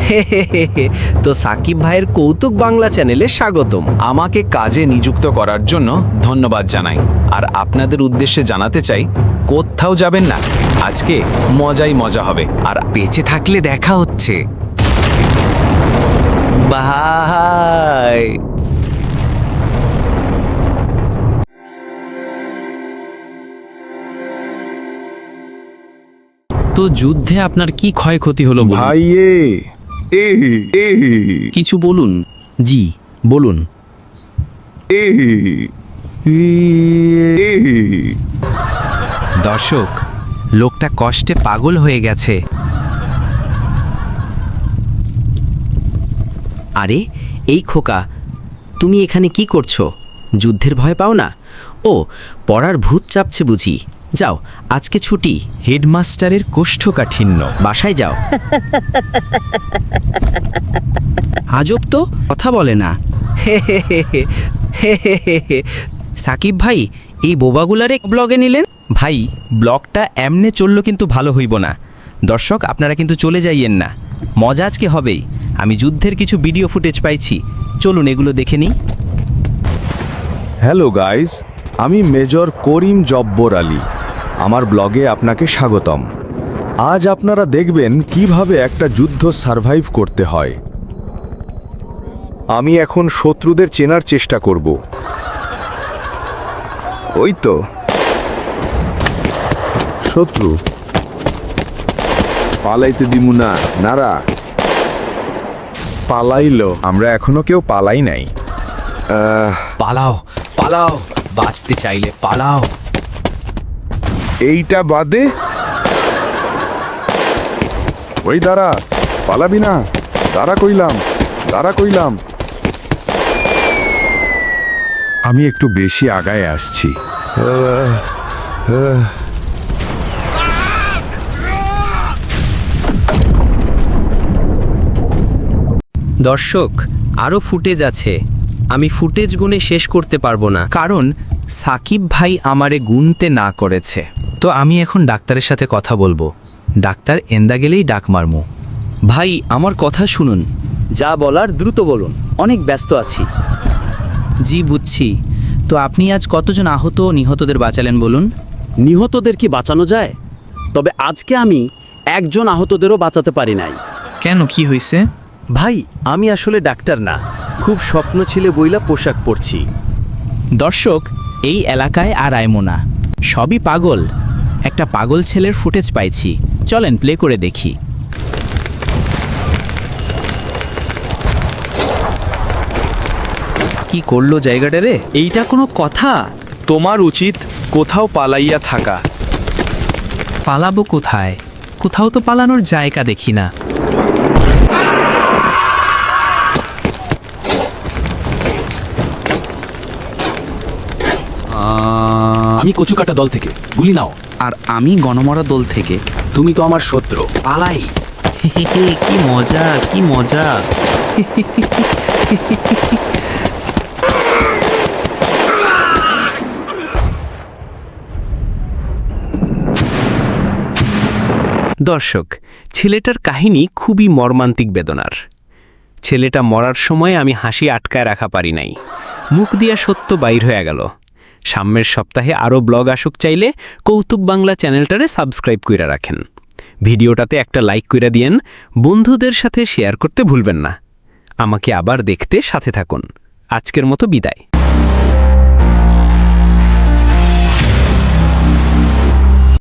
তো সাকিব ভাইয়ের কৌতুক বাংলা চ্যানেলে স্বাগতম। আমাকে কাজে নিযুক্ত করার জন্য ধন্যবাদ জানাই। আর আপনাদের উদ্দেশ্যে জানাতে চাই, কোথাও যাবেন না, আজকে মজাই মজা হবে। আর বেঁচে থাকলে দেখা হচ্ছে। বাই। তো যুদ্ধে আপনার কি ক্ষয়ক্ষতি হলো বলুন? ভাইয়ে এ এ কিছু বলুন। জি বলুন। এ এ দর্শক, লোকটা কষ্টে পাগল হয়ে গেছে। আরে এই খোকা, তুমি এখানে কি করছো? যুদ্ধের ভয় পাও না? ও, পড়ার ভূত চাপছে বুঝি। যাও, আজকে ছুটি। হেডমাস্টারের কোষ্ঠকাঠিন্য, বাসায় যাও। আজব তো, কথা বলে না। সাকিব ভাই, এই বোবাগুলারে ব্লগে নিলেন? ভাই, ব্লগটা এমনে চললো কিন্তু ভালো হইব না। দর্শক, আপনারা কিন্তু চলে যাইয়েন না, মজা আজকে হবেই। আমি যুদ্ধের কিছু ভিডিও ফুটেজ পাইছি, চলুন এগুলো দেখে নিই। হ্যালো গাইস, আমি মেজর করিম জব্বর আলী। আমার ব্লগে আপনাকে স্বাগতম। আজ আপনারা দেখবেন কিভাবে একটা যুদ্ধ সারভাইভ করতে হয়। আমি এখন শত্রুদের চেনার চেষ্টা করব। ওই তো শত্রু, পালাইতে দিমু না নারা। পালাইলো? আমরা এখনো কেউ পালাই নাই। পালাও পালাও, বাঁচতে চাইলে পালাও। এইটা বাদে ওই দাঁড়া, পালাবি না? দাঁড়া কইলাম। আমি একটু বেশি আগায় আসছি। দর্শক, আরও ফুটেজ আছে। আমি ফুটেজ গুনে শেষ করতে পারবো না, কারণ সাকিব ভাই আমারে গুনতে না করেছে। তো আমি এখন ডাক্তারের সাথে কথা বলবো। ডাক্তার এন্দা গেলেই ডাক মারমু। ভাই, আমার কথা শুনুন। যা বলার দ্রুত বলুন, অনেক ব্যস্ত আছি। জি বুঝছি। তো আপনি আজ কতজন আহত ও নিহতদের বাঁচালেন বলুন? নিহতদের কি বাঁচানো যায়? তবে আজকে আমি একজন আহতদেরও বাঁচাতে পারি নাই। কেন, কি হয়েছে? ভাই, আমি আসলে ডাক্তার না, খুব স্বপ্ন ছিলে বইলা পোশাক পরছি। দর্শক, এই এলাকায় আর আইমো না, সবই পাগল। একটা পাগল ছেলের ফুটেজ পাইছি, চলেন প্লে করে দেখি। কি করলো জায়গাটা রে? এইটা কোনো কথা? তোমার উচিত কোথাও পালাইয়া থাকা। পালাবো কোথায়? কোথাও তো পালানোর জায়গা দেখি না। আমি কচুকাটা দল থেকে, গুলি নাও। আর আমি গণমরা দল থেকে। তুমি তো আমার শত্রু, পালাই। কি মজা, কি মজা। দর্শক, ছেলেটার কাহিনী খুবই মর্মান্তিক বেদনার। ছেলেটা মরার সময় আমি হাসি আটকায় রাখা পারি নাই, মুখ দিয়া সত্য বাইর হয়ে গেল। সামনের সপ্তাহে আরও ব্লগ আসুক চাইলে কৌতুক বাংলা চ্যানেলটারে সাবস্ক্রাইব কইরা রাখেন। ভিডিওটাতে একটা লাইক কইরা দিয়েন, বন্ধুদের সাথে শেয়ার করতে ভুলবেন না। আমাকে আবার দেখতে সাথে থাকুন। আজকের মতো বিদায়।